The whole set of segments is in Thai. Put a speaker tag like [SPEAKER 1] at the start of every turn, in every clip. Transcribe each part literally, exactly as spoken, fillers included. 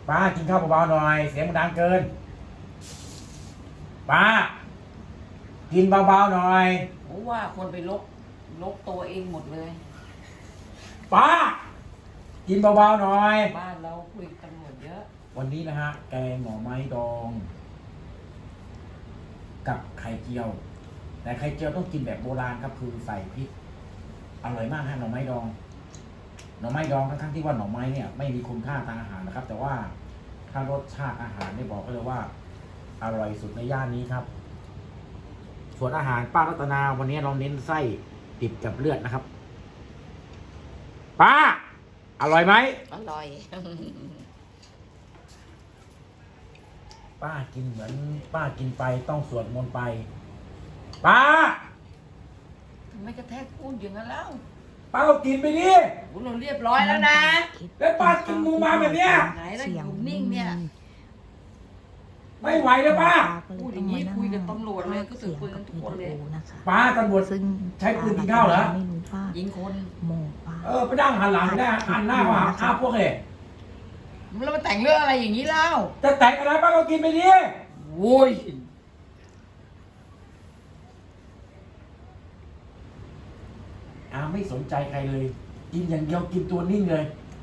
[SPEAKER 1] ป้ากินข้าวเบาๆหน่อยเสียงมันดังเกินป้ากินเบาๆหน่อย
[SPEAKER 2] โอ้ว่าคนไปลกลกตัวเองหมดเลย
[SPEAKER 1] ป้ากินเบาๆหน่อย
[SPEAKER 2] บ้านเราคุยตำรวจเยอะ
[SPEAKER 1] วันนี้นะฮะแกงหน่อไม้ดอง กับไข่เจียว แต่ไข่เจียวต้องกินแบบโบราณครับคือใส่พริกอร่อยมากฮะหน่อไม้ดองหน่อไม้ดองทั้งๆที่ว่าหน่อไม้เนี่ยไม่มีคุณค่าทางอาหารนะครับ แต่ว่าถ้ารสชาติอาหารได้บอกก็เลยว่า อร่อยสุดในย่านนี้ครับ ส่วนอาหารป้ารัตนาวันนี้เราเน้นไส้ดิบกับเลือดนะครับป้าอร่อยไหม
[SPEAKER 2] อร่อย
[SPEAKER 1] ป้ากินเหมือนป้ากินไปต้องสวดมนต์ไปป้า
[SPEAKER 2] ทำไมกระแทกพูดอย่างนั้นแล้ว
[SPEAKER 1] ป้าก็กินไปดิ
[SPEAKER 2] เราเรียบร้อยแล้วนะ
[SPEAKER 1] แล้วป้ากินมูมาแบบเนี้ย
[SPEAKER 2] ไหนแล้วอยู่นิ่งเนี่ย
[SPEAKER 1] ไม่ไหวแล้วป้า
[SPEAKER 2] พูดอย่างนี้คุยกับตำรวจเลยก็ถือปืนกันทุกคนเลย
[SPEAKER 1] ป้าตำรวจใช้ปืนกินข้าวเหรอ
[SPEAKER 2] ยิงคน
[SPEAKER 3] โมป้า
[SPEAKER 1] เออไปนั่งหันหลังได้หันหน้ามาหาพวกเลย
[SPEAKER 2] แล้วมาแต่งเรื่องอะไรอย่างนี้เล่า
[SPEAKER 1] จะแต่งอะไรป้าก็กินไปดิ
[SPEAKER 2] โว้ย
[SPEAKER 1] อาไม่สนใจใครเลยกินอย่างเดียวกินตัวนิ่งเลย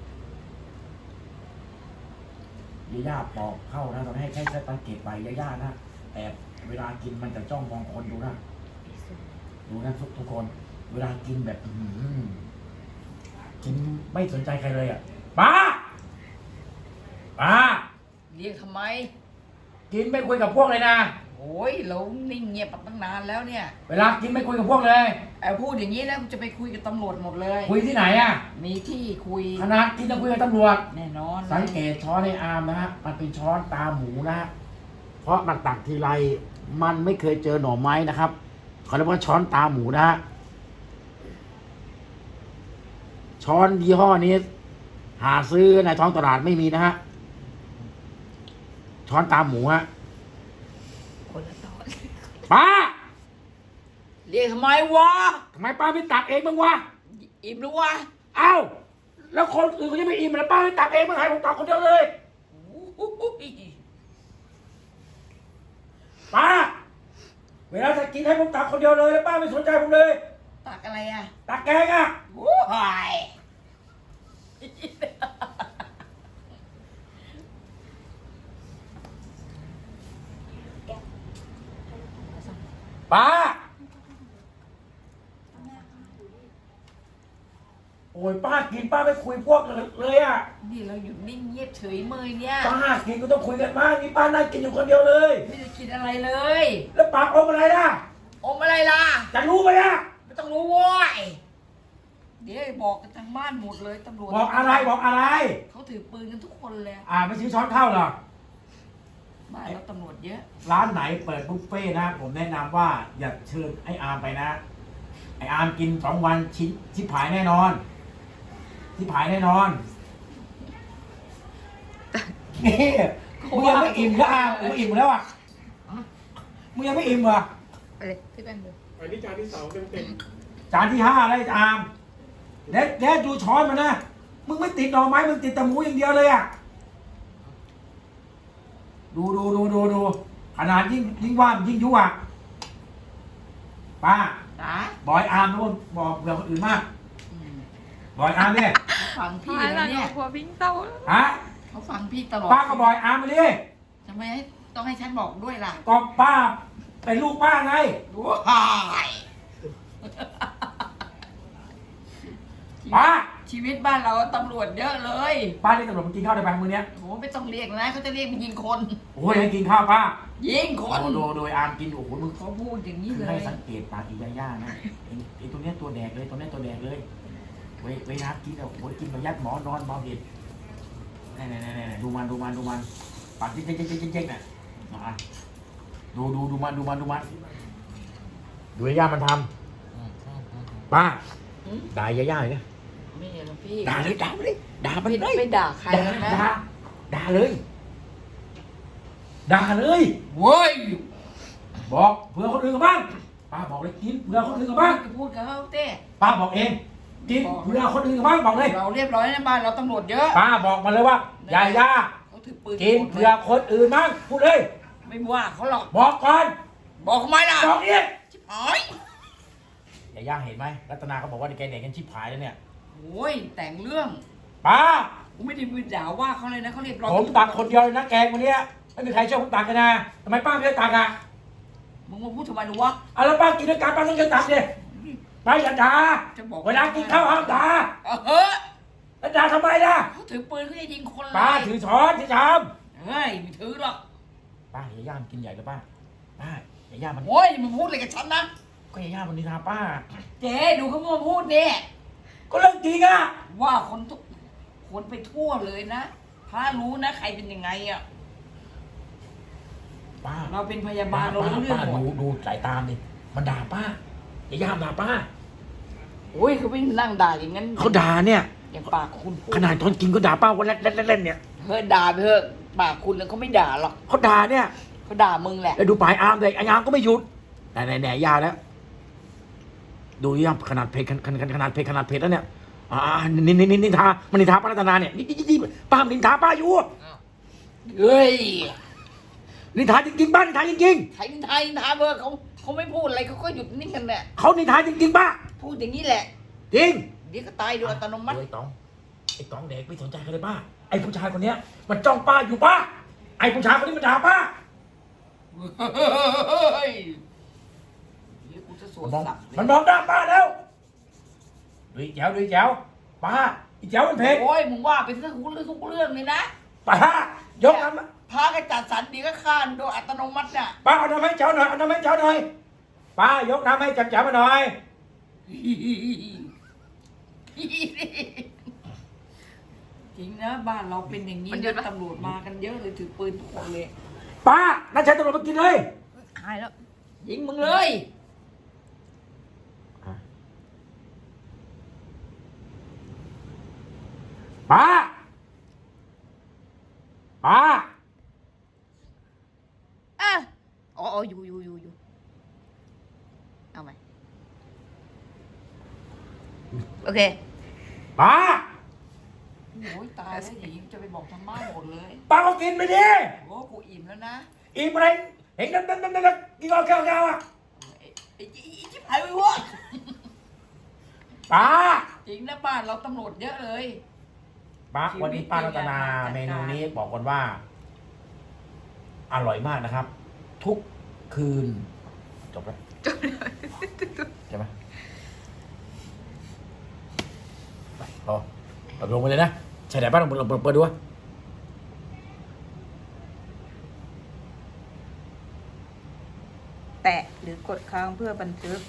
[SPEAKER 1] ย่าย่าปอกเข้านะตอนให้แค่แค่สังเกตไปย่าย่านะแต่เวลากินมันจะจ้องมองคนดูนะดูนะทุกทุกคนเวลากินแบบกินไม่สนใจใครเลยอ่ะป้าป้า
[SPEAKER 2] เรียกทำไม
[SPEAKER 1] กินไม่คุยกับพวกเลยนะ
[SPEAKER 2] โอ้ยเรานิ่งเงียบมาตั้งนานแล้วเนี่ย
[SPEAKER 1] เวลากินไม่คุยกับพวกเลย
[SPEAKER 2] ไอ้พูดอย่างนี้แล้วจะไปคุยกับตำรวจหมดเลย
[SPEAKER 1] คุยที่ไหนอ่ะ
[SPEAKER 2] มีที่คุย
[SPEAKER 1] ขนาดกินจะคุยกับตำรวจ
[SPEAKER 2] แน่นอน
[SPEAKER 1] สังเกตช้อนในอาร์มนะฮะมันเป็นช้อนตาหมูนะฮะเพราะมันตักทีไรมันไม่เคยเจอหน่อไม้นะครับเขาเรียกว่าช้อนตาหมูนะฮะช้อนยี่ห้อนี้หาซื้อในท้องตลาดไม่มีนะฮะช้อนตาหมูฮะ
[SPEAKER 2] คนละตอน
[SPEAKER 1] ป้า
[SPEAKER 2] เรียกทำไมวะ
[SPEAKER 1] ทำไมป้าไม่ตักเองบ้างวะ
[SPEAKER 2] อิ่มหรือวะ
[SPEAKER 1] เอ้าแล้วคนอื่นเขาจะไม่อิ่มแล้วป้าไม่ตักเองบ้างไงผมตักคนเดียวเลยป้าเวลาจะกินให้ผมตักคนเดียวเลยแล้วป้าไม่สนใจผมเลย
[SPEAKER 2] ตักอะไรอ่ะ
[SPEAKER 1] ตักแกงอ่ะ
[SPEAKER 2] โอ้ย
[SPEAKER 1] ป้าโอ้ยป้ากินป้าไม่คุยพวกเลยอ่ะ
[SPEAKER 2] นี่เราอยู่นิ่งเงียบเฉยเมยเนี่ย
[SPEAKER 1] ป้ากินก็ต้องคุยกันบ้างนี่ป้านั่งกินอยู่คนเดียวเลย
[SPEAKER 2] ไม่ได้กินอะไรเลย
[SPEAKER 1] แล้วปากอมอะไรล่ะ
[SPEAKER 2] อมอะไรล่ะ
[SPEAKER 1] จะรู้ไหมอ่ะ
[SPEAKER 2] ไม่ต้องรู้โว้ยเดี๋ยวบอกกันทางบ้านหมดเลยตำรวจ
[SPEAKER 1] บอกอะไรบอกอะไร
[SPEAKER 2] เขาถือปืนกันทุกคนเลย
[SPEAKER 1] อ่าไม่ซื้อช้อนข้าวหรอ
[SPEAKER 2] บ้านเราตำรวจเยอะ
[SPEAKER 1] ร้านไหนเปิดบุฟเฟ่นะผมแนะนำว่าอย่าเชิญไอ้อาร์มไปนะไอ้อาร์มกินสองวันชิ้นชิบหายแน่นอนชิบหายแน่นอนนี่มึงยังไม่อิ่มแล้วอาร์มมึงอิ่มแล้วอ่ะมึงยังไม่อิ่มเหรอ
[SPEAKER 2] ไปเลยพี่แป้งดู
[SPEAKER 4] อันนี้จานที่สองเต็มเต็ม
[SPEAKER 1] จานที่ห้าแล้วอาร์มเด็ดเด็ดดูช้อนมันนะมึงไม่ติดหน่อไม้มึงติดแต่หมูอย่างเดียวเลยอ่ะดูดูดูดูดูขนาดยิ่งยิ่งว่านยิ่งยั่วป้าบอยอาร์มทุกคนบอกเผื่อคนอื่นมากบอยอาร์มเนี่ย
[SPEAKER 2] ฟังพี่แล้วเนี่ย
[SPEAKER 3] หัวพิงเต้า
[SPEAKER 1] ฮะ
[SPEAKER 2] เขาฟังพี่ตลอด
[SPEAKER 1] ป้าก็บอยอาร์มมาดิ
[SPEAKER 2] ทำไมต้องให้ฉันบอกด้วยล่ะ
[SPEAKER 1] ก็ป้าเป็นลูกป้าไง
[SPEAKER 2] ว้ายป้าชีวิตบ้านเราตำรวจเยอะเลย
[SPEAKER 1] ป้าเรียกตำรวจมากินข้าวได้ไหมมื้อนี้
[SPEAKER 2] โอ้ไม่ต้องเรียกนะเขาจะเรียกมายิงคน
[SPEAKER 1] โอ้ยให้กินข้าวป้า
[SPEAKER 2] ยิงคน
[SPEAKER 1] โดยโดยอาร์มกินโอ้โหมึง
[SPEAKER 2] เขาพูดอย่างนี้เลย
[SPEAKER 1] ให้สังเกตปากอีย่าๆนะไอ้ตัวเนี้ยตัวแดกเลยตัวเนี้ยตัวแดกเลยเว้ยเวลากินอ่ะโอ้ยกินมายัดหมอนอนเมาเห็ดนี่นี่นี่นี่ดูมันดูมันดูมันปากเจ๊กเจ๊กเจ๊กเจ๊กเจ๊กน่ะอ่ะดูดูดูมันดูมันดูมันดูย่ามันทำป้าด่าย่าๆเลย
[SPEAKER 2] ไม่เหรอพี่
[SPEAKER 1] ด่าเลยด่าเลยด่ามันเลย
[SPEAKER 2] ไม่ด่าใครนะ
[SPEAKER 1] ด่าด่าเลยด่าเลย
[SPEAKER 2] เว้ย
[SPEAKER 1] บอกเผื่อคนอื่นกับบ้างป้าบอกเลยกินเผื่อคนอื่นกับบ้าง
[SPEAKER 2] พูดกับเขาเต้
[SPEAKER 1] ป้าบอกเองกินเผื่อคนอื่นกับบ้างบอกเลย
[SPEAKER 2] เราเรียบร้อยนะบ้านเราตำรวจเยอะ
[SPEAKER 1] ป้าบอกมาเลยว่าย่าย่า
[SPEAKER 2] เขาถือปืน
[SPEAKER 1] กินเผื่อคนอื่นมั้งพูดเลย
[SPEAKER 2] ไม่ว่าเขาหรอก
[SPEAKER 1] บอกก่อน
[SPEAKER 2] บอกทำไมล่ะ
[SPEAKER 1] บอกอีก
[SPEAKER 2] ชิบหาย
[SPEAKER 1] อย่าย่าเห็นไหมรัตนาเขาบอกว่าแกเด็กกันชิบหายแล้วเนี่ย
[SPEAKER 2] โอ้ยแต่งเรื่อง
[SPEAKER 1] ป้า
[SPEAKER 2] กูไม่ได้ไปด่าว่าเขาเลยนะเขาเรียบร้อย
[SPEAKER 1] ผมตักคนเดียวเลยนะแกงวันเนี้ยไม่มีใครช่วยผมตักกันนะทำไมป้าไม่ได้ตักอ่ะ
[SPEAKER 2] มึงมาพูดทำไมหนูวะ
[SPEAKER 1] เอาแล้วป้ากินด้วยกันป้าต้องช่วยตักดิป้าอย่าด่า
[SPEAKER 2] จะบอก
[SPEAKER 1] เวลากินข้าวห้ามด่า
[SPEAKER 2] เออเฮ้ย
[SPEAKER 1] แล้วด่าทำไมล่ะ
[SPEAKER 2] เขาถือปืนเขาจะยิงคนเลย
[SPEAKER 1] ป้าถือช้อนถือชาม
[SPEAKER 2] เฮ้ยไม่ถือหรอก
[SPEAKER 1] ป้าอย่าย่ามันกินใหญ่เลยป้าป้าอย่าย่ามัน
[SPEAKER 2] โอ้ยมึงพูดอะไรกับฉันนะ
[SPEAKER 1] ก็อย่าย่ามันนินทาป้า
[SPEAKER 2] เจ๊ดูเขามาพูดเนี่ย
[SPEAKER 1] ก็เรื่องจริงอ่ะ
[SPEAKER 2] ว่าคนทุกคนไปทั่วเลยนะพระรู้นะใครเป็นยังไงอ่ะ
[SPEAKER 1] ป้า
[SPEAKER 2] เราเป็นพยาบา
[SPEAKER 1] ป้า
[SPEAKER 2] ลเรา
[SPEAKER 1] ป้า
[SPEAKER 2] รู้เรื่อ
[SPEAKER 1] ป้าง
[SPEAKER 2] หม
[SPEAKER 1] ดู
[SPEAKER 2] ด
[SPEAKER 1] ดูสายตามดิมันด่าป้าอย่าย่ามันด่าป้า
[SPEAKER 2] โอ้ยเขาไม่นั่งด่าอย่างนั้น
[SPEAKER 1] เขาด่าเนี่ย
[SPEAKER 2] อย่างปากคุณพูด
[SPEAKER 1] ขนาดตอนกินก็ด่าป้าวันแรกเล่นๆเนี่ย
[SPEAKER 2] เฮ้ยด่าไปเถอะปากคุณแล้วเขาไม่ด่าหรอก
[SPEAKER 1] เขาด่าเนี่ย
[SPEAKER 2] เขาด่ามึงแหละ
[SPEAKER 1] แล้วดูปลายอาร์มเลยไอ้อาร์มก็ไม่หยุดแต่ไหนไหนยาแล้ว ดูยังขนาดเพจขนาดขนาดเพจขนาดเพจแล้วเนี่ยอ่านินนินนินนินทามันนินทาป้ารัตนาเนี่ยนี่นี่นี่ป้ามันนินทาป้าอยู่
[SPEAKER 2] เฮ้ย
[SPEAKER 1] นินทาจริงๆป้านินทาจริง
[SPEAKER 2] ไทยไทยทาเบอร์เขาเขาไม่พูดอะไรเขาก็หยุดนิ่งกันแหละ
[SPEAKER 1] ๆเขานินทาจริงๆป้า
[SPEAKER 2] พูดอย่างนี้แหละ
[SPEAKER 1] จริง
[SPEAKER 2] เดี๋ยวก็ตายโดยอัตโนมัติ
[SPEAKER 1] ไอ้ต๋องไอ้ต๋องเด็กไม่สนใจกันเลยป้าไอ้ผู้ชายคนเนี้ยมันจ้องป้าอยู่ป้าไอ้ผู้ชายคนนี้มันด่าป้า
[SPEAKER 2] เฮ้ยเดี๋ยวกูจะสวน
[SPEAKER 1] มันมอง
[SPEAKER 2] สับเลย
[SPEAKER 1] มันมองหน้าป้าแล้วดูอีแจ๋วดูอีแจ๋วป้าอีแจ๋วมันเพจ
[SPEAKER 2] โอ้ยมึงว่าไปทุกเรื่องทุกเรื่องเลยนะ
[SPEAKER 1] ป้ายกน้ำ
[SPEAKER 2] พากันจัดสรรเดียวก็ข้านโดยอัตโนมัติน่ะ
[SPEAKER 1] ป้าเอาน้ำให้แจ๋วหน่อยเอาน้ำให้แจ๋วหน่อยป้ายกน้ำให้แจ๋วมาหน่อย
[SPEAKER 2] จริงนะบ้านเราเป็นอย่างนี้นะตำรวจมากันเยอะเลยถือปืนทุกคนเลย
[SPEAKER 1] ป้านั่นใช้ตำรวจมากินเลย
[SPEAKER 2] หายแล้วยิงมึงเลย
[SPEAKER 1] ป้าป้า
[SPEAKER 3] อ่ะอ๋ออ๋ออยู่อยู่อยู่อยู่เอาไหมโอเค
[SPEAKER 1] ป้า
[SPEAKER 2] โอ้ยตายแล้วหญิงจะไปบอกทางบ้านหมดเลย
[SPEAKER 1] ป้าก็กินไปดิ
[SPEAKER 2] โอ้กูอิ่มแล้วนะ
[SPEAKER 1] อีกอะไรเห็นนั่นนั่นนั่นนั่นกินข้าวแก้วแก้วอ่ะ
[SPEAKER 2] ไอ้ไอ้ไอ้ชิบหายไปวะ
[SPEAKER 1] ป้า
[SPEAKER 2] จริงนะบ้านเราตำรวจเยอะเลย
[SPEAKER 1] ป้าวันนี้ป้ารัตนาเมนูนี้บอกก่อนว่า อร่อยมากนะครับ ทุกคืนจบแล้วใช่ไหมไปพอเอาลงไปเลยนะใช่ไหนป้าลองเปิดเปิดเปิดดูวะ
[SPEAKER 3] แตะหรือกดค้างเพื่อบันทึก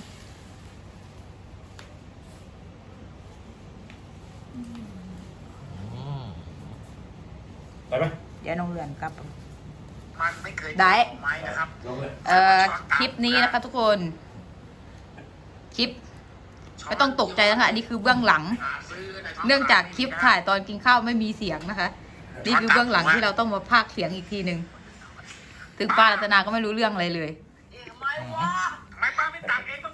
[SPEAKER 1] ไปไหม
[SPEAKER 3] เดี๋ยวน้องเรือนกลับ
[SPEAKER 2] มันไม่เคย
[SPEAKER 3] ได้
[SPEAKER 2] ไม้นะครับ
[SPEAKER 1] ลงเลย
[SPEAKER 3] เอ่อคลิปนี้นะคะทุกคน คลิป ไม่ต้องตกใจนะคะอันนี้คือเบื้องหลัง เนื่องจากคลิปถ่ายตอนกินข้าวไม่มีเสียงนะคะ นี่คือเบื้องหลังที่เราต้องมาพากย์เสียงอีกทีหนึ่งถึงป้ารัตนาก็ไม่รู้เรื่องอะไรเลย
[SPEAKER 2] ทำไมวะทำไมป้าไม่ตักเอง